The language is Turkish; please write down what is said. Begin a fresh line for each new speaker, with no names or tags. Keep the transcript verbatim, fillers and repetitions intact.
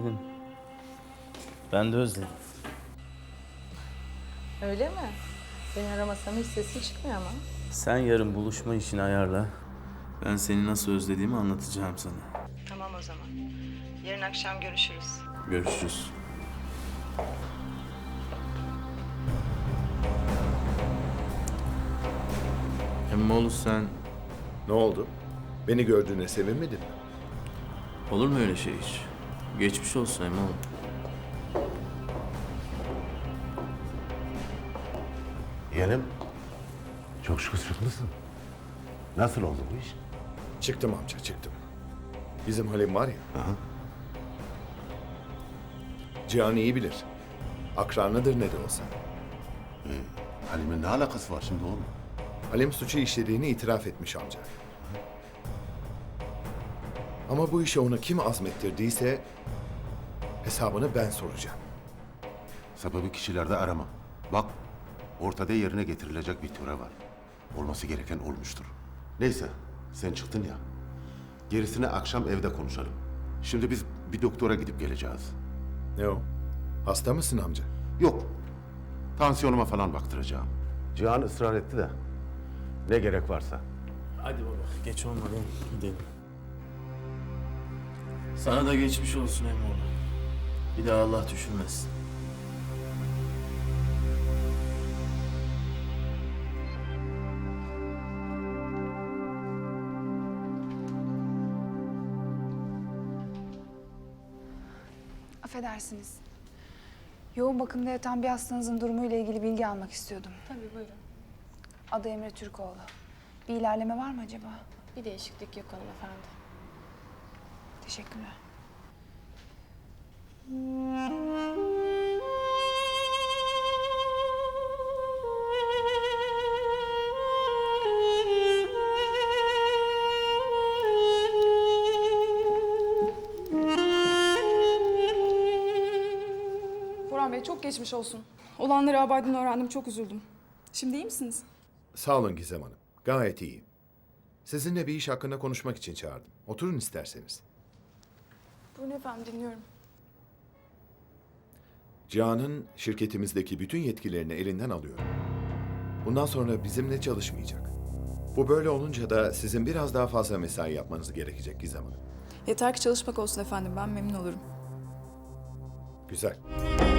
özledim. Ben de özledim.
Öyle mi? Beni aramasam hiç sesin çıkmıyor ama.
Sen yarın buluşma işini ayarla. Ben seni nasıl özlediğimi anlatacağım sana.
Tamam o zaman. Yarın akşam görüşürüz.
Görüşürüz. Emmoğlu sen...
Ne oldu? Beni gördüğüne sevinmedin mi?
Olur mu öyle şey hiç? Geçmiş olsun Emmoğlu.
Yeğenim, çok şükür çıkmışsın. Nasıl oldu bu iş?
Çıktım amca, çıktım. Bizim Halim var ya.
Aha.
Cihan iyi bilir. Akranıdır ne de olsa.
Halim'in ne alakası var şimdi oğlum?
Halim suçu işlediğini itiraf etmiş amca. Ama bu işi ona kim azmettirdiyse hesabını ben soracağım.
Sebebi kişilerde arama. Bak, ortada yerine getirilecek bir töre var. Olması gereken olmuştur. Neyse, sen çıktın ya. Gerisini akşam evde konuşalım. Şimdi biz bir doktora gidip geleceğiz.
Ne o? Hasta mısın amca?
Yok, tansiyonuma falan baktıracağım. Cihan ısrar etti de. Ne gerek varsa.
Hadi baba. Geç olmadan gidelim. Sana da geçmiş olsun Emmoğlu. Bir daha Allah düşünmesin.
Affedersiniz. Yoğun bakımda yatan bir hastanızın durumuyla ilgili bilgi almak istiyordum.
Tabii buyurun.
Adı Emre Türkoğlu. Bir ilerleme var mı acaba?
Bir değişiklik yok hanımefendi.
Teşekkürler.
Burhan Bey çok geçmiş olsun. Olanları haberden öğrendim, çok üzüldüm. Şimdi iyi misiniz?
Sağ olun Gizem Hanım. Gayet iyiyim. Sizinle bir iş hakkında konuşmak için çağırdım. Oturun isterseniz.
Buyurun efendim, dinliyorum.
Cihan'ın şirketimizdeki bütün yetkilerini elinden alıyorum. Bundan sonra bizimle çalışmayacak. Bu böyle olunca da sizin biraz daha fazla mesai yapmanız gerekecek Gizem Hanım.
Yeter ki çalışmak olsun efendim, ben memnun olurum.
Güzel.